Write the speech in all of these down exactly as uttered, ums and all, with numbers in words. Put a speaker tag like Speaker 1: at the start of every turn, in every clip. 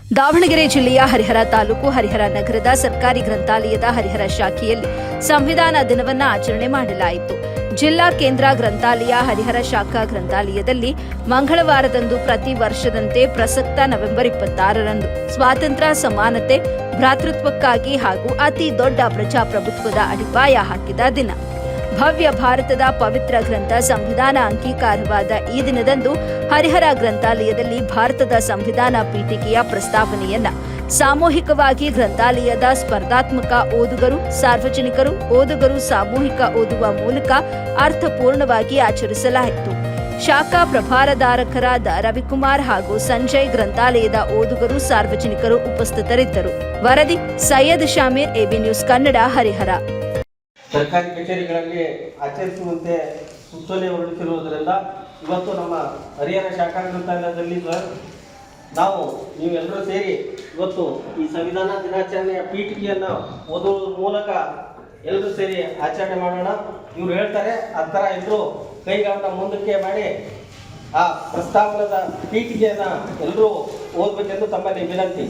Speaker 1: ದಾವಣಗೆರೆ ಜಿಲ್ಲೆಯ ಹರಿಹರ ತಾಲೂಕು ಹರಿಹರ ನಗರದ ಸರ್ಕಾರಿ ಗ್ರಂಥಾಲಯದ ಹರಿಹರ ಶಾಖೆಯಲ್ಲಿ ಸಂವಿಧಾನ ದಿನವನ್ನು ಆಚರಣೆ ಮಾಡಲಾಯಿತು. ಜಿಲ್ಲಾ ಕೇಂದ್ರ ಗ್ರಂಥಾಲಯ ಹರಿಹರ ಶಾಖಾ ಗ್ರಂಥಾಲಯದಲ್ಲಿ ಮಂಗಳವಾರದಂದು ಪ್ರತಿ ವರ್ಷದಂತೆ ಪ್ರಸಕ್ತ ನವೆಂಬರ್ ಇಪ್ಪತ್ತಾರರಂದು ಸ್ವಾತಂತ್ರ್ಯ, ಸಮಾನತೆ, ಭ್ರಾತೃತ್ವಕ್ಕಾಗಿ ಹಾಗೂ ಅತಿ ದೊಡ್ಡ ಪ್ರಜಾಪ್ರಭುತ್ವದ ಅಡಿಪಾಯ ಹಾಕಿದ ದಿನ. ಭವ್ಯ ಭಾರತದ ಪವಿತ್ರ ಗ್ರಂಥ ಸಂವಿಧಾನ ಅಂಗೀಕಾರವಾದ ಈ ದಿನದಂದು ಹರಿಹರ ಗ್ರಂಥಾಲಯದಲ್ಲಿ ಭಾರತದ ಸಂವಿಧಾನ ಪೀಠಿಕೆಯ ಪ್ರಸ್ತಾವನೆಯನ್ನ ಸಾಮೂಹಿಕವಾಗಿ ಗ್ರಂಥಾಲಯದ ಸ್ಪರ್ಧಾತ್ಮಕ ಓದುಗರು, ಸಾರ್ವಜನಿಕರು, ಓದುಗರು ಸಾಮೂಹಿಕ ಓದುವ ಮೂಲಕ ಅರ್ಥಪೂರ್ಣವಾಗಿ ಆಚರಿಸಲಾಯಿತು. ಶಾಖಾ ಪ್ರಭಾರಧಾರಕರಾದ ರವಿಕುಮಾರ್ ಹಾಗೂ ಸಂಜಯ್ ಗ್ರಂಥಾಲಯದ ಓದುಗರು, ಸಾರ್ವಜನಿಕರು ಉಪಸ್ಥಿತರಿದ್ದರು. ವರದಿ ಸೈಯದ್ ಶಾಮೀರ್, ಎಬಿ ನ್ಯೂಸ್ ಕನ್ನಡ, ಹರಿಹರ.
Speaker 2: ಸರ್ಕಾರಿ ಕಚೇರಿಗಳಲ್ಲಿ ಆಚರಿಸುವಂತೆ ಸೂಚನೆ ಹೊರಡಿಸಿರುವುದರಿಂದ ಇವತ್ತು ನಮ್ಮ ಹರಿಹರ ಶಾಖಾ ಗ್ರಂಥಾಲಯದಲ್ಲಿ ನಾವು ನೀವೆಲ್ಲರೂ ಸೇರಿ ಇವತ್ತು ಈ ಸಂವಿಧಾನ ದಿನಾಚರಣೆಯ ಪೀಠಿಕೆಯನ್ನು ಓದುವ ಮೂಲಕ ಎಲ್ಲರೂ ಸೇರಿ ಆಚರಣೆ ಮಾಡೋಣ. ಇವ್ರು ಹೇಳ್ತಾರೆ ಆ ಥರ ಎಲ್ಲರೂ ಕೈಗಳನ್ನು ಮುಂದಕ್ಕೆ ಮಾಡಿ ಆ ಪ್ರಸ್ತಾವನದ ಪೀಠಿಕೆಯನ್ನು ಎಲ್ಲರೂ ಓದಬೇಕೆಂದು ತಮ್ಮಲ್ಲಿ ವಿನಂತಿ.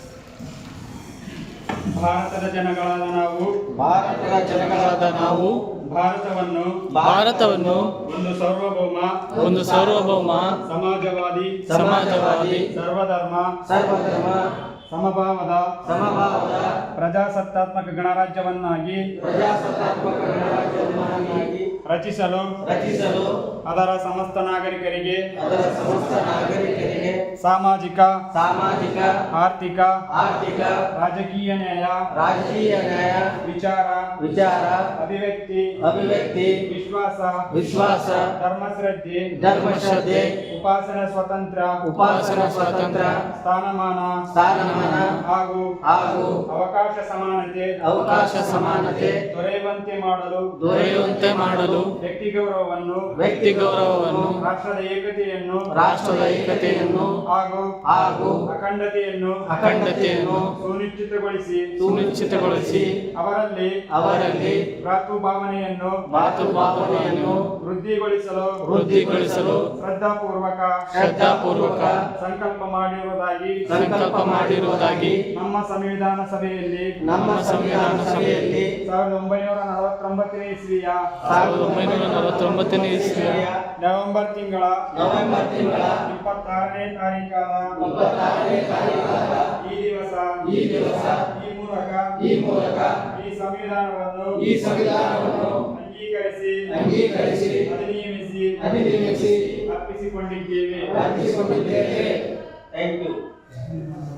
Speaker 3: ಭಾರತದ ಜನಗಳಾದ ನಾವು
Speaker 2: ಭಾರತದ ಜನಗಳಾದ ನಾವು
Speaker 3: ಭಾರತವನ್ನು
Speaker 4: ಭಾರತವನ್ನು
Speaker 3: ಒಂದು ಸಾರ್ವಭೌಮ
Speaker 4: ಒಂದು ಸಾರ್ವಭೌಮ
Speaker 3: ಸಮಾಜವಾದಿ
Speaker 4: ಸಮಾಜವಾದಿ
Speaker 3: ಸರ್ವಧರ್ಮ
Speaker 2: ಸರ್ವಧರ್ಮ
Speaker 3: ಸಮಭಾವದ
Speaker 2: ಸಮಭಾವದ
Speaker 3: ಪ್ರಜಾಸತ್ತಾತ್ಮಕ ಗಣರಾಜ್ಯವನ್ನಾಗಿ
Speaker 2: ಪ್ರಜಾಸತ್ತಾತ್ಮಕ ಗಣರಾಜ್ಯವನ್ನಾಗಿ
Speaker 3: ರಚಿಸಲು
Speaker 2: ರಚಿಸಲು
Speaker 3: ಅದರ ಸಮಸ್ತ ನಾಗರಿಕರಿಗೆ
Speaker 2: ಅದರ ಸಮಸ್ತ ನಾಗರಿಕರಿಗೆ
Speaker 3: ಸಾಮಾಜಿಕ
Speaker 2: ಸಾಮಾಜಿಕ
Speaker 3: ಆರ್ಥಿಕ
Speaker 2: ಆರ್ಥಿಕ
Speaker 3: ರಾಜಕೀಯ ನ್ಯಾಯ
Speaker 2: ರಾಜಕೀಯ ನ್ಯಾಯ
Speaker 3: ವಿಚಾರ
Speaker 2: ವಿಚಾರ
Speaker 3: ಅಭಿವ್ಯಕ್ತಿ
Speaker 2: ಅಭಿವ್ಯಕ್ತಿ
Speaker 3: ವಿಶ್ವಾಸ
Speaker 2: ವಿಶ್ವಾಸ
Speaker 3: ಧರ್ಮಶ್ರದ್ಧೆ
Speaker 2: ಧರ್ಮಶ್ರದ್ಧೆ
Speaker 3: ಉಪಾಸನಾ ಸ್ವಾತಂತ್ರ್ಯ
Speaker 2: ಉಪಾಸನಾ ಸ್ವಾತಂತ್ರ್ಯ
Speaker 3: ಸ್ಥಾನಮಾನ
Speaker 2: ಸ್ಥಾನಮಾನ
Speaker 3: ಹಾಗೂ
Speaker 2: ಹಾಗೂ
Speaker 3: ಅವಕಾಶ ಸಮಾನತೆ
Speaker 2: ಅವಕಾಶ ಸಮಾನತೆ
Speaker 3: ದೊರೆಯುವಂತೆ ಮಾಡಲು
Speaker 4: ದೊರೆಯುವಂತೆ ಮಾಡಲು
Speaker 3: ವ್ಯಕ್ತಿ ಗೌರವವನ್ನು
Speaker 4: ವ್ಯಕ್ತಿ ಗೌರವವನ್ನು
Speaker 3: ರಾಷ್ಟ್ರದ ಏಕತೆಯನ್ನು
Speaker 2: ರಾಷ್ಟ್ರದ ಏಕತೆಯನ್ನು
Speaker 3: ಹಾಗೂ
Speaker 2: ಹಾಗೂ
Speaker 3: ಅಖಂಡತೆಯನ್ನು
Speaker 4: ಅಖಂಡತೆಯನ್ನು
Speaker 3: ಸುನಿಶ್ಚಿತಗೊಳಿಸಿ
Speaker 4: ಸುನಿಶ್ಚಿತಗೊಳಿಸಿ
Speaker 3: ಅವರಲ್ಲಿ
Speaker 2: ಅವರಲ್ಲಿ
Speaker 3: ಭ್ರಾತೃಭಾವನೆಯನ್ನು
Speaker 4: ಮಾತೃಭಾವನೆಯನ್ನು
Speaker 3: ವೃದ್ಧಿಗೊಳಿಸಲು
Speaker 4: ವೃದ್ಧಿಗೊಳಿಸಲು
Speaker 3: ಶ್ರದ್ಧಾಪೂರ್ವಕ
Speaker 4: ಶ್ರದ್ಧಾಪೂರ್ವಕ
Speaker 3: ಸಂಕಲ್ಪ ಮಾಡಿರುವುದಾಗಿ
Speaker 4: ಸಂಕಲ್ಪ ಮಾಡಿರುವುದಾಗಿ
Speaker 3: ನಮ್ಮ ಸಂವಿಧಾನ ಸಭೆಯಲ್ಲಿ
Speaker 2: ನಮ್ಮ ಸಂವಿಧಾನ ಸಭೆಯಲ್ಲಿ
Speaker 3: ಸಾವಿರದ ಒಂಬೈನೂರ ನಲವತ್ತೊಂಬತ್ತನೇ ಇಸ್ವಿಯ
Speaker 4: ಸಾವಿರದ ಒಂಬೈನೂರ ನಲವತ್ತೊಂಬತ್ತನೇ ಇಸ್ವಿಯ
Speaker 3: ನವೆಂಬರ್ ತಿಂಗಳ
Speaker 2: ನವೆಂಬರ್ ತಿಂಗಳ
Speaker 3: ಇಪ್ಪತ್ತಾರನೇ ತಾರೀಕಾದ
Speaker 2: ಇಪ್ಪತ್ತಾರನೇ ತಾರೀಖಾದ
Speaker 3: ಈ ದಿವಸ
Speaker 2: ಈ ದಿವಸ
Speaker 3: ಈ ಮೂಲಕ
Speaker 2: ಈ ಮೂಲಕ
Speaker 3: ಈ ಸಂವಿಧಾನವನ್ನು
Speaker 2: ಈ ಸಂವಿಧಾನವನ್ನು
Speaker 3: ಅಂಗೀಕರಿಸಿ
Speaker 2: ಅಂಗೀಕರಿಸಿ
Speaker 3: ಅಧಿನಿಯಮಿಸಿ
Speaker 2: ಅಧಿನಿಯಮಿಸಿ
Speaker 3: ಅರ್ಪಿಸಿಕೊಂಡಿದ್ದೇವೆ
Speaker 2: ಅರ್ಪಿಸಿಕೊಂಡಿದ್ದೇವೆ. Thank you.